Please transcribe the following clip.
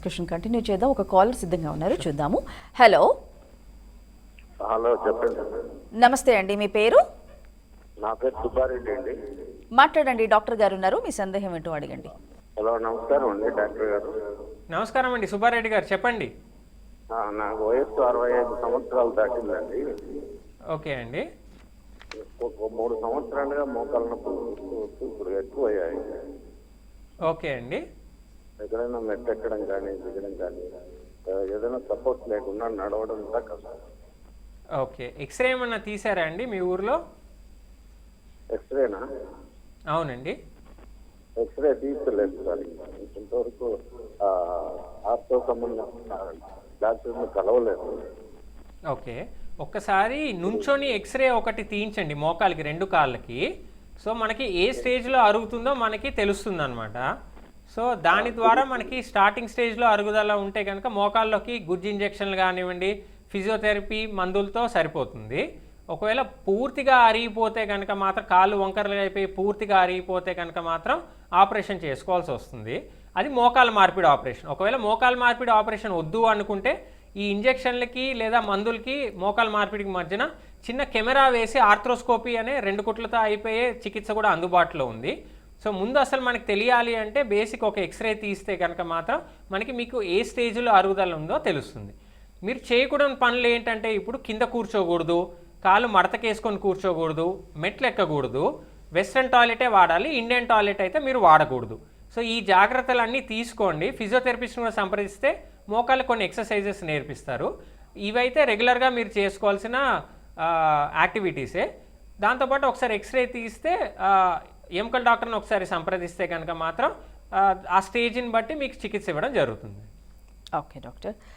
Question continue చేద్దాం. ఒక caller సిద్ధంగా ఉన్నారు, చూద్దాము. హలో హలో, చెప్పండి. నమస్తే అండి, మీ పేరు? నా పేరు సుబ్బారెడ్డి అండి. మాట్లాడండి, డాక్టర్ గారు ఉన్నారు, మీ సందేహం ఏంటో అడగండి. హలో, నమస్కారం అండి డాక్టర్ గారు. నమస్కారం అండి, సుబ్బారెడ్డి గారు చెప్పండి. నాకు వయస్సు 65 సంవత్సరాలు దాటిందండి. ఓకే అండి. ఒక 3 సంవత్సరాలుగా మోకాళ్ళ నొప్పులు ఇప్పుడు ఎక్కువ అయ్యాయి. ఓకే అండి. ఎక్కడైనా మెట్టెక్కడం కానీ దిగడం కానీ ఏదైనా సపోర్ట్ లేకుండా నడవడం కూడా కష్టం. ఓకే, ఎక్స్రే ఏమన్నా తీసారా అండి మీ ఊర్లో? ఎక్స్రేనా? అవునండి. ఎక్స్రే తీసుకోలేదు సార్. ఇంతవరకు ఆర్తో సంబంధం డాక్టర్ని కలవలేదు. ఓకే, ఒక్కసారి నుంచొని ఎక్స్రే ఒకటి తీయించండి మోకాలకి, 2 కాళ్ళకి. సో మనకి ఏ స్టేజ్లో అరుగుతుందో మనకి తెలుస్తుంది అనమాట. సో దాని ద్వారా మనకి స్టార్టింగ్ స్టేజ్లో అరుగుదల ఉంటే కనుక మోకాల్లోకి గుజ్జు ఇంజెక్షన్లు కానివ్వండి, ఫిజియోథెరపీ మందులతో సరిపోతుంది. ఒకవేళ పూర్తిగా అరిగిపోతే కనుక మాత్రం, కాళ్ళు వంకరలుగా అయిపోయి పూర్తిగా అరిగిపోతే కనుక మాత్రం ఆపరేషన్ చేసుకోవాల్సి వస్తుంది. అది మోకాల మార్పిడి ఆపరేషన్. ఒకవేళ మోకాల మార్పిడి ఆపరేషన్ వద్దు అనుకుంటే ఈ ఇంజెక్షన్లకి లేదా మందులకి మోకాల మార్పిడికి మధ్యన చిన్న కెమెరా వేసి ఆర్థ్రోస్కోపీ అనే 2 కుట్లతో అయిపోయే చికిత్స కూడా అందుబాటులో ఉంది. సో ముందు అసలు మనకి తెలియాలి అంటే బేసిక్ ఒక ఎక్స్రే తీస్తే కనుక మాత్రం మనకి మీకు ఏ స్టేజ్లో అరుగుదల ఉందో తెలుస్తుంది. మీరు చేయకూడని పనులు ఏంటంటే, ఇప్పుడు కింద కూర్చోకూడదు, కాళ్ళు మడతకేసుకొని కూర్చోకూడదు, మెట్లు ఎక్కకూడదు, వెస్ట్రన్ టాయిలెటే వాడాలి, ఇండియన్ టాయిలెట్ అయితే మీరు వాడకూడదు. సో ఈ జాగ్రత్తలన్నీ తీసుకోండి. ఫిజియోథెరపిస్ట్ని కూడా సంప్రదిస్తే మోకాళ్ళు కొన్ని ఎక్సర్సైజెస్ నేర్పిస్తారు. ఇవైతే రెగ్యులర్గా మీరు చేసుకోవాల్సిన యాక్టివిటీసే. దాంతోపాటు ఒకసారి ఎక్స్రే తీస్తే ఎముకల డాక్టర్ని ఒకసారి సంప్రదిస్తే కనుక మాత్రం ఆ స్టేజ్ని బట్టి మీకు చికిత్స ఇవ్వడం జరుగుతుంది. Okay doctor.